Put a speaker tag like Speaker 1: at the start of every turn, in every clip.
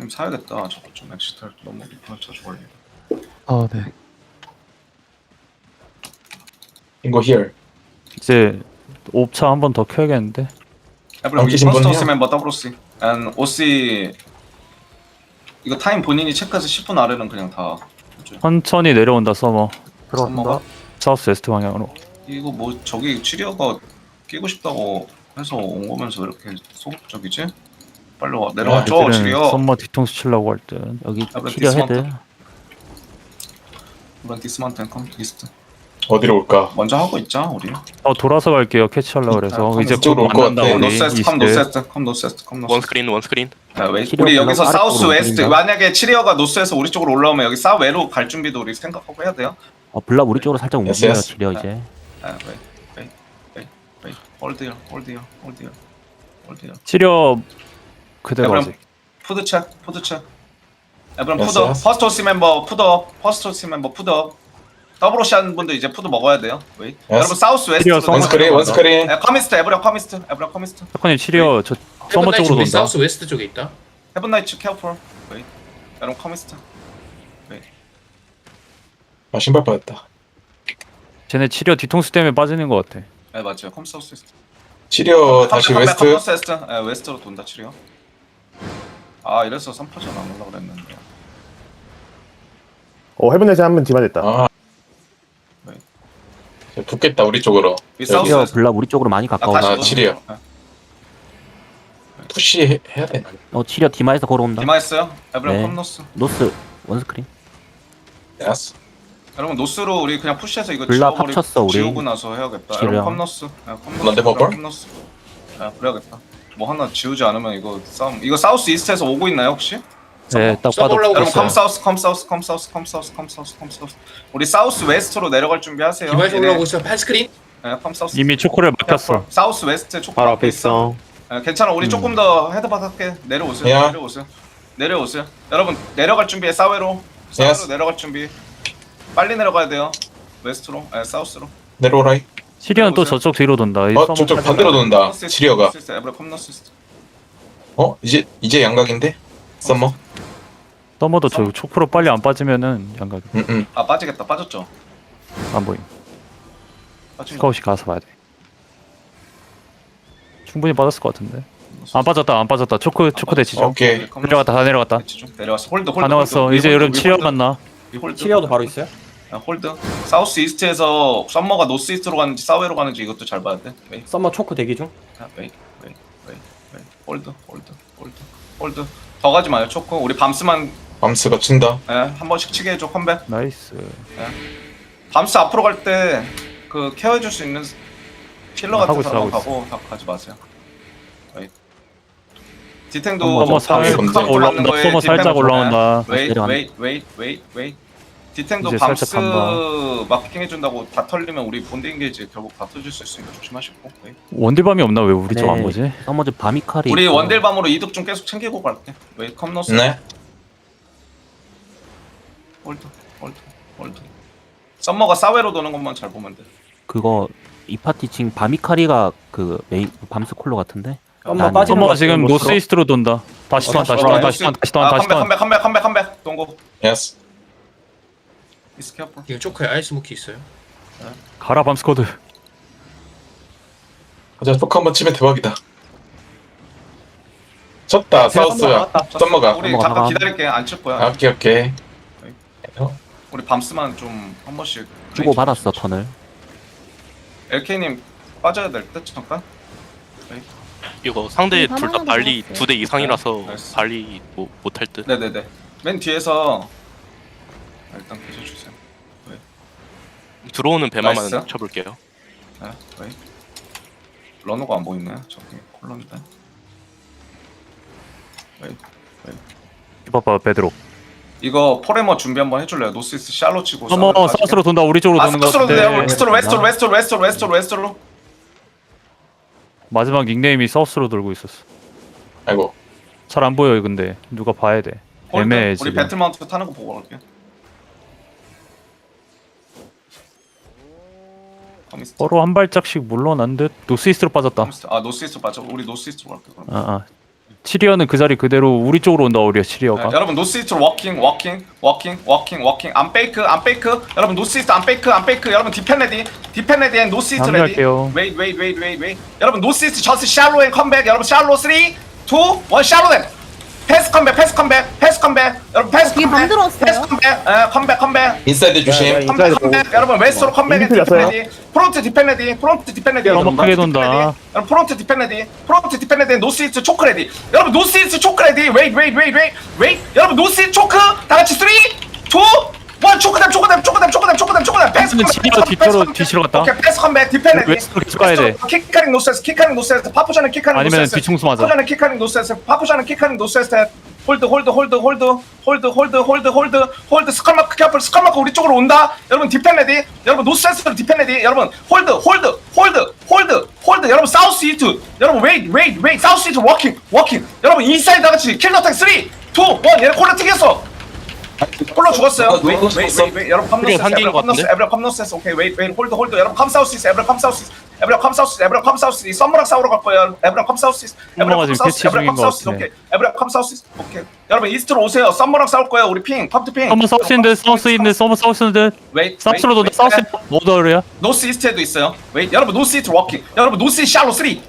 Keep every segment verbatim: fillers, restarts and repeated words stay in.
Speaker 1: 좀 사야겠다. 저거 좀 엑시탈 너무 리플 자주 걸리네.
Speaker 2: 아, 네.
Speaker 3: 인고 here.
Speaker 2: 이제 옵차 한 번 더 켜야겠는데.
Speaker 1: 에브리 위
Speaker 3: 넘기신
Speaker 1: 퍼스트
Speaker 3: 분이요?
Speaker 1: 오시 멤버 더블오씨 and 오씨 이거 타임 본인이 체크해서 십 분 아래는 그냥 다 해줘요.
Speaker 2: 천천히 내려온다 서머.
Speaker 1: 들어간다.
Speaker 2: 사우스 웨스트 방향으로.
Speaker 1: 이거 뭐 저기 치리어가 끼고 싶다고 해서 온 거면서 왜 이렇게 소극적이지? 빨리 와 내려와줘
Speaker 2: 애들은
Speaker 1: 치리어.
Speaker 2: 썸머 뒤통수 치려고 할 듯.
Speaker 4: 여기
Speaker 1: 아무래도
Speaker 4: 치료 헤드.
Speaker 1: 디스마운트. 이번 디스마운트 컴 리스트
Speaker 3: 어디로 올까?
Speaker 1: 먼저 하고 있자 우리.
Speaker 2: 어 돌아서 갈게요. 캐치하려고 그래서
Speaker 1: 아,
Speaker 2: 이제 곧
Speaker 3: 이쪽으로 올것
Speaker 2: 만난다
Speaker 3: 같아.
Speaker 2: 우리
Speaker 1: 노스웨스트 컴
Speaker 2: 이스트.
Speaker 1: 노스웨스트 컴 노스웨스트 컴
Speaker 5: 원
Speaker 1: 노스웨스트.
Speaker 5: 스크린 원 스크린.
Speaker 1: 야, 왜?
Speaker 4: 치리어
Speaker 1: 우리 여기서
Speaker 4: 블록
Speaker 1: 사우스
Speaker 4: 아래쪽으로
Speaker 1: 웨스트
Speaker 4: 움직인다.
Speaker 1: 만약에 치리어가 노스에서 우리 쪽으로 올라오면 여기 사웨로 갈 준비도 우리 생각하고 해야 돼요.
Speaker 4: 어, 블랍 우리 쪽으로 살짝
Speaker 3: yes,
Speaker 4: 움직여요.
Speaker 3: yes.
Speaker 4: 치료 이제.
Speaker 1: 아, 웨이 웨이 웨이 웨이 홀드요 홀드요 홀드요 홀드요.
Speaker 2: 치료 그대로
Speaker 1: 에브럼
Speaker 2: 아직.
Speaker 1: 푸드 체크 푸드 체크. 에브럼
Speaker 3: Yes,
Speaker 1: 푸드
Speaker 3: yes.
Speaker 1: 퍼스트 호스 멤버 푸드 퍼스트 호스 멤버 푸드 더블 오시 하는 분들 이제 푸드 먹어야 돼요. 웨이. 여러분 사우스 웨스트로
Speaker 2: 치리어
Speaker 3: 원 스크린, 원 스크린.
Speaker 1: 커미스트 에브럼 커미스트 에브럼 커미스트
Speaker 2: 사건님 치료 저 서머 쪽으로
Speaker 6: 우리
Speaker 2: 돈다.
Speaker 6: 사우스 웨스트 쪽에 있다.
Speaker 1: 헤븐 나이츠 케어풀. 웨이. 여러분 커미스트.
Speaker 3: 아 신발 빠졌다.
Speaker 2: 쟤네 치료 뒤통수 때문에 빠지는 것 같아.
Speaker 1: 네 맞아요. 컴 사우스 웨스트.
Speaker 3: 치료 다시
Speaker 1: 컴백,
Speaker 3: 웨스트.
Speaker 1: 컴백, 웨스트. 네, 웨스트로 돈다 치리요. 아 이래서 삼 퍼전 안 올라 그랬는데.
Speaker 7: 어 헤븐넷에 한 번 디마됐다.
Speaker 3: 아.
Speaker 1: 네.
Speaker 3: 이제 붙겠다 우리 쪽으로.
Speaker 1: 위
Speaker 3: 여기.
Speaker 1: 사우스
Speaker 4: 치료
Speaker 1: 웨스트.
Speaker 4: 블랍 우리 쪽으로 많이
Speaker 1: 아,
Speaker 4: 가까워져.
Speaker 1: 다시
Speaker 3: 아,
Speaker 1: 또.
Speaker 3: 치리요.
Speaker 1: 네.
Speaker 3: 푸시 해, 해야 되나?
Speaker 4: 어, 치료 디마에서 걸어온다.
Speaker 1: 디마했어요. 에브럼
Speaker 4: 네.
Speaker 1: 컴노스.
Speaker 4: 노스 원스크린.
Speaker 3: 야스.
Speaker 1: 여러분 노스로 우리 그냥 푸시해서 이거
Speaker 4: 블랍
Speaker 1: 지워버리-
Speaker 4: 합쳤어, 우리.
Speaker 1: 지우고 나서 해야겠다.
Speaker 4: 치료.
Speaker 1: 여러분 컴노스. 네, 컴노스.
Speaker 3: 런데 버블?
Speaker 1: 여러분 컴노스. 네, 그래야겠다. 뭐 하나 지우지 않으면 이거 싸움. 이거 사우스 이스트에서 오고 있나요 혹시?
Speaker 2: 네, 딱
Speaker 6: 서버
Speaker 2: 봐도
Speaker 6: 올라오고
Speaker 1: 여러분
Speaker 6: 있어요.
Speaker 1: 컴 사우스 컴 사우스 컴 사우스 컴 사우스 컴 사우스 컴 사우스. 우리 사우스 웨스트로 내려갈 준비하세요.
Speaker 6: 디마이스
Speaker 1: 얘네.
Speaker 6: 올라오고 있어. 팔 스크린.
Speaker 1: 네, 컴 사우스.
Speaker 2: 이미 초코를 막혔어.
Speaker 1: 사우스 웨스트 초코
Speaker 7: 바로 앞에 있어.
Speaker 1: 네, 괜찮아. 우리 조금 더 헤드바닥 할게. 내려오세요.
Speaker 3: 야.
Speaker 1: 내려오세요. 내려오세요. 여러분 내려갈 준비해. 사웨로. 사웨로
Speaker 3: Yes.
Speaker 1: 내려갈 준비. 빨리 내려가야 돼요. 웨스트로. 아 사우스로.
Speaker 3: 내려오라이.
Speaker 2: 치료는 또
Speaker 1: 내려오세요.
Speaker 2: 저쪽 뒤로 돈다. 이
Speaker 3: 어
Speaker 2: 서머
Speaker 3: 저쪽
Speaker 2: 살짝-
Speaker 3: 반대로 돈다. 치리어가.
Speaker 1: 에브라 컴너스.
Speaker 3: 어 이제 이제 양각인데? 썸머.
Speaker 2: 서머도 저 초코로 빨리 안 빠지면은 양각
Speaker 3: 응응.
Speaker 1: 아 빠지겠다. 빠졌죠.
Speaker 2: 안 보임.
Speaker 1: 빠진 거.
Speaker 2: 스카웃이 가서 봐야 돼. 충분히 빠졌을 것 같은데. 안 빠졌다, 안 빠졌다. 초코 초코 대치죠.
Speaker 3: 오케이.
Speaker 2: 내려갔다, 다 내려갔다.
Speaker 1: 대치 좀 내려왔어. 홀드 홀드.
Speaker 2: 다 나왔어.
Speaker 1: 홀드.
Speaker 2: 이제
Speaker 1: 위
Speaker 2: 여러분
Speaker 1: 홀드,
Speaker 2: 치료
Speaker 1: 위 홀드.
Speaker 2: 만나.
Speaker 1: 위 홀드.
Speaker 8: 치리어도 바로 있어요?
Speaker 1: 아, 홀드. 사우스 이스트에서 썸머가 노스 이스트로 가는지 사웨로 가는지 이것도 잘 봐야 돼. 웨이.
Speaker 8: 썸머 초크 대기 중.
Speaker 1: 아, 웨이. 웨이. 웨이. 웨이. 홀드. 홀드. 홀드. 홀드. 더 가지 마요. 초코. 우리 밤스만
Speaker 3: 밤스가 친다.
Speaker 1: 예, 한 번씩 치게 해줘. 컴백.
Speaker 2: 나이스.
Speaker 1: 밤스 앞으로 갈 때 그 케어해줄 수 있는 킬러 같은
Speaker 2: 하고 있어,
Speaker 1: 사람
Speaker 2: 하고 있어.
Speaker 1: 가고 다 가지 마세요. 웨이. 디탱도
Speaker 2: 서머
Speaker 3: 좀
Speaker 2: 살짝
Speaker 3: 밤스
Speaker 1: 카운터
Speaker 2: 올라온다.
Speaker 1: 맞는 거에
Speaker 2: 서머
Speaker 1: 디탱
Speaker 2: 살짝
Speaker 1: 보면
Speaker 2: 올라온다.
Speaker 1: 웨이
Speaker 4: 내려가네.
Speaker 1: 웨이 웨이 웨이 웨이 디탱도
Speaker 2: 이제
Speaker 1: 밤스
Speaker 2: 살짝 간다.
Speaker 1: 마케팅 해준다고 다 털리면 우리 본드 인게이지 결국 다 터질 수 있으니까 조심하시고. 웨이.
Speaker 2: 원딜밤이 없나? 왜 우리 쪽 안 보지?
Speaker 4: 서머즈 바미칼이.
Speaker 1: 우리
Speaker 4: 있고.
Speaker 1: 원딜밤으로 이득 좀 계속 챙기고 갈게. 웨이 컴노스.
Speaker 3: 네.
Speaker 1: 홀드 홀드 홀드. 썸머가 사웨로 도는 것만 잘 보면 돼.
Speaker 4: 그거 이 파티 지금 바미카리가 그 메인 밤스 콜로 같은데.
Speaker 8: 썸머
Speaker 4: 난-
Speaker 8: 빠지는
Speaker 2: 서머가
Speaker 8: 거
Speaker 2: 지금
Speaker 8: 같아요,
Speaker 2: 노스 이스트로 돈다. 다시 턴, 다시 턴, 다시 턴, 다시 턴,
Speaker 1: 아,
Speaker 2: 다시
Speaker 1: 컴백
Speaker 2: 턴.
Speaker 1: 컴백 컴백 컴백 컴백 동고.
Speaker 3: 야스.
Speaker 1: 이스 케어풀.
Speaker 6: 이거 초크에 아이스모키 있어요.
Speaker 2: 가라 밤스쿼드.
Speaker 3: 가자 포크 한번 치면 대박이다. 쳤다 사우스야. 썸머가.
Speaker 1: 우리
Speaker 4: 썸머가
Speaker 1: 잠깐
Speaker 4: 나가.
Speaker 1: 기다릴게. 안 칠 거야.
Speaker 3: 아, 오케이 오케이.
Speaker 1: 우리 밤스만 좀 한 번씩
Speaker 4: 주고 받았어 턴을.
Speaker 1: 엘케이님 빠져야 될 듯 잠깐.
Speaker 5: 이거 상대
Speaker 9: 음,
Speaker 5: 둘 다
Speaker 9: 바나나도
Speaker 5: 발리
Speaker 9: 나왔어요.
Speaker 5: 두 대 이상이라서
Speaker 1: 나이스.
Speaker 5: 발리 뭐 못할 듯.
Speaker 1: 네네네. 맨 뒤에서 아, 일단 계셔주세요.
Speaker 5: 들어오는 배만만
Speaker 1: 나이스.
Speaker 5: 쳐볼게요.
Speaker 1: 네, 웨이. 러너가 안 보이네. 저기 콜런인데. 웨이.
Speaker 2: 봐봐 베드로.
Speaker 1: 이거 포레머 준비 한번 해줄래요? 노스이스 샬로 치고.
Speaker 2: 서머
Speaker 1: 사우스
Speaker 2: 사우스로 돈다. 우리 쪽으로
Speaker 1: 아
Speaker 2: 도는 것
Speaker 1: 스트로 돼요.
Speaker 2: 같은데.
Speaker 1: 웨스트로 웨스트로 웨스트로 웨스트로 웨스트로 웨스트로.
Speaker 2: 마지막 닉네임이 사우스로 돌고 있었어.
Speaker 3: 아이고.
Speaker 2: 잘 안 보여요 근데 누가 봐야 돼. 애매해
Speaker 1: 우리
Speaker 2: 지금.
Speaker 1: 배틀마운트 타는 거 보고 갈게. 커미스트.
Speaker 2: 서로 한 발짝씩 물러난 듯. 노스 이스트로 빠졌다.
Speaker 1: 커미스트. 아 노스이스트 맞아. 우리 노스이스트로 갈게 그럼.
Speaker 2: 아, 아. 치리어는 그 자리 그대로 우리 쪽으로 온다 우리야 치리어가.
Speaker 1: 네, 여러분 노스이스트로 워킹 워킹 워킹 워킹 워킹 안 페이크 안 페이크 여러분 노스이스트 안 페이크 안 페이크 여러분 디펜 레디 디펜 레디 앤 노스이스트 레디
Speaker 2: 합류할게요.
Speaker 1: 웨이 웨이 웨이 웨이 웨이 여러분 노스이스트 저스 샬로 앤 컴백 여러분 샬로 삼 이 일 샬로 앤 패스 컴백 패스 컴백 패스 컴백 여러분 패스
Speaker 7: 이게
Speaker 1: 컴백
Speaker 7: 만들었어요?
Speaker 1: 패스 컴백 에 컴백 컴백
Speaker 3: 인사이드 조심.
Speaker 1: 컴백 컴백 여러분 웨스트로 컴백 앤 디펜 레디 프론트 디펜 레디 프론트 디펜 레디
Speaker 2: 너무
Speaker 1: 여러분
Speaker 2: 크게
Speaker 1: 프론트 디펜
Speaker 2: 돈다.
Speaker 1: 레디. 여러분 프론트 디펜 레디 프론트 디펜 레디 노스이스트 초크 레디 여러분 노스이스트 초크 레디 웨이 웨이 웨이 웨이 웨이 여러분 노스이스트 초크 다 같이 삼 이 일 초크댐 초크댐 초크댐 초크댐 초크댐 초크댐 패스
Speaker 2: 근데
Speaker 1: 컴백,
Speaker 2: 치리어
Speaker 1: 패스 컴백,
Speaker 2: 뒤쪽으로
Speaker 1: 패스 컴백.
Speaker 2: 뒤치러 갔다.
Speaker 1: 오케이 패스 컴백 디펜 레디
Speaker 2: 웨스트로 계속 가야 돼.
Speaker 1: 킥카링 노스에스 킥카링 노스에스 파푸샤는 킥카링
Speaker 2: 아니면
Speaker 1: 노스에스
Speaker 2: 뒤충수 맞아.
Speaker 1: 파푸샤는 킥카링 노스에스 파푸샤는 킥카링 노스에스 홀드 홀드 홀드 홀드 홀드 홀드 홀드 홀드 홀드 스컬마크 캐플 스컬마크 우리 쪽으로 온다 여러분 디펜 레디 여러분 노스에스로 디펜 레디 여러분 홀드 홀드 홀드 홀드 홀드 여러분 사우스 이트 여러분 웨이트 웨이트 웨이트 사우스 이트 워킹 워킹 여러분 인사이드 다 같이 킬러 택 삼 이 일 얘네 콜라 튀겼어 콜라 죽었어요 웨이트 웨이트 웨이트 여러분 컴노스
Speaker 5: 우리가 상기인 것 같은데?
Speaker 1: 에브라 컴노스 오케이 웨이트 웨이트 홀드 홀드 여러분 컴 사우스 이스 에브라 컴 사우스 이스 에브라 컴 사우스 에브라 컴 사우스 이스 썸머랑 싸우러 갈 거예요 에브라 컴 사우스 이스 에브라
Speaker 2: 썸머가
Speaker 1: 컴
Speaker 2: 지금
Speaker 1: 사우스
Speaker 2: 캐치
Speaker 1: 에브라
Speaker 2: 중인
Speaker 1: 컴
Speaker 2: 것
Speaker 1: 사우스
Speaker 2: 같아.
Speaker 1: 오케이 에브라 컴 사우스 이스 오케이 여러분 이스트로 오세요 썸머랑 싸울 거예요 우리 핑 컴투 핑
Speaker 2: 서머 사우스인데 사우스인데 서머 사우스인데
Speaker 1: 웨이트
Speaker 2: 사우스로 돈다 사우스 노더리야.
Speaker 1: 노스 이스트에도 있어요 웨이트 여러분 노스 이스트 워킹 여러분 노스 이스트 샬로 삼 이 일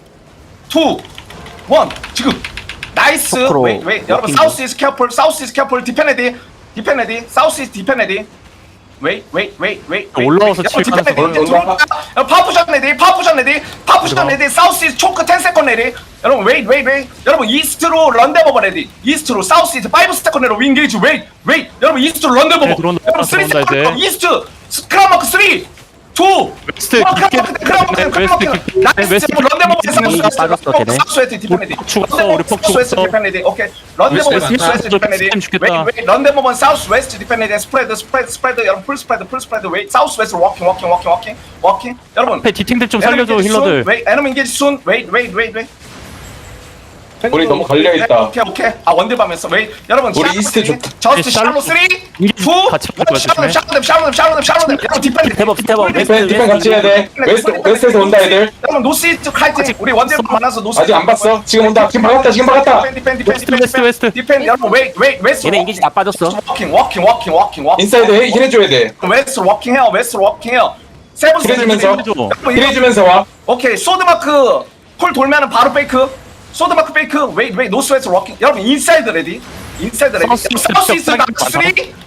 Speaker 1: 지금 나이스
Speaker 4: 초크로
Speaker 1: 웨이트 웨이트 여러분
Speaker 4: 워킹.
Speaker 1: 사우스 이스트 캐플 사우스 이스트 캐플 디펜 레디 디펜 레디 사우스 이스트 디펜 레디 웨이 웨이 웨이 웨이
Speaker 2: 올라와서 칠 가능성
Speaker 1: 파푸션 레디 파푸션 레디 파푸션 레디 사우스 이스트 초크 십 세컨 레디 여러분 웨이 웨이 웨이 여러분 이스트로 런데버버 레디 이스트로 사우스 이스트 오 세컨 레로 윙게이지 웨이 웨이 여러분 이스트로 런데버버
Speaker 2: 네, 들어온다,
Speaker 1: 여러분 삼
Speaker 2: 들어온다,
Speaker 1: 세컨
Speaker 2: 이제.
Speaker 1: 이스트 스크라마크 삼 이
Speaker 2: 웨스트
Speaker 1: 와,
Speaker 2: 깊게
Speaker 1: 크라마크, 크라마크,
Speaker 2: 네,
Speaker 1: 크라마크.
Speaker 2: 웨스트 깊게
Speaker 1: 나이스,
Speaker 2: 웨스트
Speaker 1: 런데버버
Speaker 2: 깊게
Speaker 1: 사우스
Speaker 4: 이미
Speaker 1: 웨스트,
Speaker 4: 빠졌어, 걔네.
Speaker 1: 사우스 웨스트 디펜 레디.
Speaker 2: 폭 죽었어,
Speaker 1: 런데버버
Speaker 2: 우리 폭
Speaker 1: 사우스 웨스트
Speaker 2: 죽었어.
Speaker 1: 디펜 레디. 오케이. 런데버버
Speaker 2: 웨스트
Speaker 1: 사우스 웨스트 디펜 레디.
Speaker 2: 웨스트 죽겠다.
Speaker 1: 웨이, 웨이, 런데버버 사우스 웨스트 디펜 레디. 스프레드 스프레드 스프레드 여러분 풀 스프레드 풀 스프레드 웨이 사우스 웨스트 워킹 워킹 워킹 워킹 워킹 여러분
Speaker 2: 앞에 디팅들 좀 살려줘 힐러들.
Speaker 1: 웨이 에너미 인게지 순 웨이 웨이 웨이 웨이
Speaker 3: 우리 너무 갈려있다.
Speaker 1: 오케이 오케이 아 원딜밤했어 웨이 여러분
Speaker 3: 우리 이스트 좋다.
Speaker 1: 저스트 샬로
Speaker 2: 샬로-
Speaker 1: 삼
Speaker 2: 이게
Speaker 1: 이
Speaker 2: 같이
Speaker 1: 일
Speaker 2: 붙어야
Speaker 1: 샬로
Speaker 2: 조심해.
Speaker 1: 샬로 샬로 샬로 샬로 여러분 디펜
Speaker 4: 스텝업, 스텝업.
Speaker 3: 디펜 디펜 같이 해야 돼. 웨스트 웨스트에서 온다 애들.
Speaker 1: 여러분 노스이스트 칼팅 우리 원딜 만나서 노스
Speaker 3: 아직 안 봤어. 지금 온다. 지금 박았다. 지금 박았다.
Speaker 1: 디펜 디펜 디펜
Speaker 2: 웨스트, 웨스트, 웨스트.
Speaker 1: 디펜 여러분 웨이 웨이 웨스트
Speaker 4: 얘네 인기지 다 빠졌어.
Speaker 1: 워킹 워킹 워킹 워킹 워킹
Speaker 3: 인사이드 해- 힐해줘야 돼.
Speaker 1: 웨스트 워킹 해요 웨스트 워킹 해요 세븐
Speaker 3: 힐해주면서
Speaker 2: 힐해줘.
Speaker 1: 여러분, 이거-
Speaker 3: 힐해주면서 와.
Speaker 1: 오케이 소드마크 콜 돌면은 바로 페이크 소드마크 페이크 웨이 웨이 노스 웨스트 워킹 여러분 인사이드 레디 인사이드 레디
Speaker 2: 사우스 시스템
Speaker 1: 사우스 이스트
Speaker 2: 많다.
Speaker 1: 삼 이 일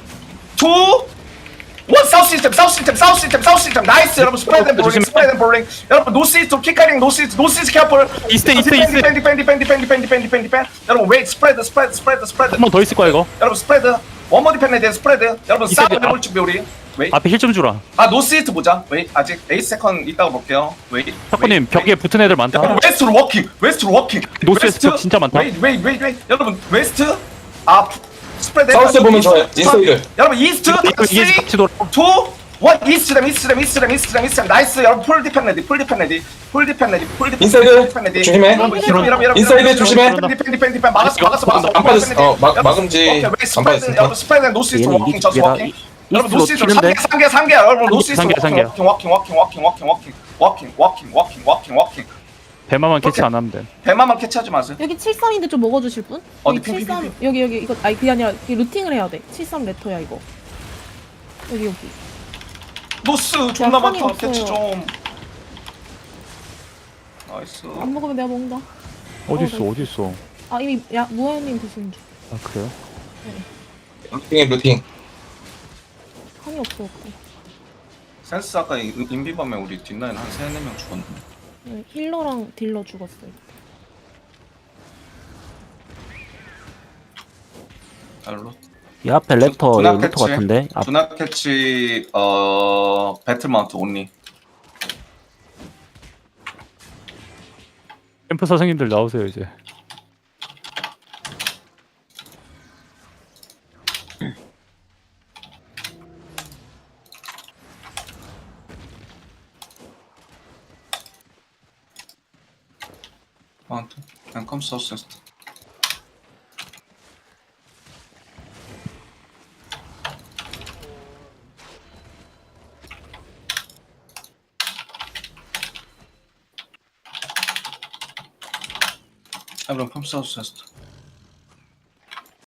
Speaker 1: 사우스 시스템 사우스 시스템 사우스 시스템 사우스 시스템 나이스 여러분 스프레드 앤 볼링
Speaker 2: 조심해.
Speaker 1: 스프레드 앤 볼링 여러분 노스 이스트 킥카링 노스 이스트 노스 이스트 캐플
Speaker 2: 이스트, 이스트,
Speaker 1: 디펜,
Speaker 2: 이스트.
Speaker 1: 디펜 디펜 디펜 디펜 디펜 디펜 디펜 디펜 여러분 웨이 스프레드 스프레드 스프레드 스프레드
Speaker 2: 한 번 더 있을 거야 이거.
Speaker 1: 여러분 스프레드 원모 디펜에 대한 스프레드 여러분
Speaker 2: 이스트
Speaker 1: 싸움
Speaker 2: 앞-
Speaker 1: 해볼 준비 우리 웨이
Speaker 2: 앞에 힐 좀 주라.
Speaker 1: 아 노스 이스트 보자 웨이 아직 에이트 세컨 있다고 볼게요 웨이
Speaker 2: 탁구님 벽에 붙은 애들 많다.
Speaker 1: 여러분 웨스트로 워킹 웨스트로 워킹
Speaker 2: 노스 웨스트 진짜 많다.
Speaker 1: 웨이 웨이 웨이 웨이 여러분 웨스트 아 스프레드
Speaker 3: 사우스 보면
Speaker 1: 이스트,
Speaker 3: 좋아요. 인사이드.
Speaker 1: 여러분 이스트
Speaker 2: 이거 이게
Speaker 1: 쓰리,
Speaker 2: 같이 돌아.
Speaker 1: 투, 원 이스트댐 이스트댐 이스트댐 이스트댐 이스트댐 나이스 여러분 풀 디펜 레디 풀 디펜 레디 풀 디펜 레디 풀 디펜
Speaker 3: 인사이드
Speaker 1: 디펜 레디.
Speaker 3: 조심해.
Speaker 1: 여러분, 여러분, 여러분, 여러분,
Speaker 3: 인사이드
Speaker 1: 여러분,
Speaker 3: 조심해.
Speaker 1: 디펜 디펜 디펜 디펜 막았어 막았어 막았어
Speaker 3: 안 빠졌어. 어, 막-
Speaker 1: 여러분,
Speaker 3: 막음지
Speaker 1: 오케이, 웨이
Speaker 3: 안
Speaker 1: 스프레드,
Speaker 3: 빠졌으니까.
Speaker 1: 여러분 스프레드 노스 이스트
Speaker 4: 얘네
Speaker 1: 워킹
Speaker 4: 이게
Speaker 1: 저스
Speaker 4: 얘가
Speaker 1: 워킹
Speaker 4: 이-
Speaker 1: 여러분
Speaker 4: 이스트로
Speaker 1: 노스 이스트
Speaker 4: 튀는데?
Speaker 1: 삼 개 삼 개 여러분 노스 이스트
Speaker 2: 삼 개, 삼 개.
Speaker 1: 워킹 워킹 워킹 워킹 워킹 워킹 워킹 워킹 워킹 워킹 워킹
Speaker 2: 배마만 캐치
Speaker 1: 오케이.
Speaker 2: 안 하면 돼.
Speaker 1: 배만만 캐치하지 마세요
Speaker 7: 여기 칠십삼인데 좀 먹어주실 분?
Speaker 1: 어디
Speaker 7: 여기
Speaker 1: 핑, 핑, 핑,
Speaker 7: 칠십삼 여기 여기 이거 아니 그게 아니라 이게 루팅을 해야 돼. 칠십삼 레터야 이거. 여기 여기.
Speaker 1: 노스 존나
Speaker 7: 판이
Speaker 1: 많다
Speaker 7: 없어요.
Speaker 1: 캐치 좀 나이스
Speaker 7: 안 먹으면 내가 먹는다.
Speaker 2: 어디
Speaker 7: 어,
Speaker 2: 있어
Speaker 7: 네.
Speaker 2: 어디 있어.
Speaker 7: 아 이미 야 무아님 드시는 중.
Speaker 2: 아 그래요?
Speaker 3: 루팅해 루팅.
Speaker 7: 판이 없어 없고.
Speaker 1: 센스 아까 인- 인비밤에 우리 뒷라인 한 세네 명 죽었는데
Speaker 7: 네, 힐러랑 딜러 죽었어요.
Speaker 1: 알로
Speaker 4: 이 앞에 랩터
Speaker 1: 두나
Speaker 4: 랩터
Speaker 1: 캐치.
Speaker 4: 같은데. 앞
Speaker 1: 두나 캐치 어 배틀마운트 온리
Speaker 2: 캠프 선생님들 나오세요 이제.
Speaker 1: 마운트 and come southwest 그럼 펌프 사우스 웨스트.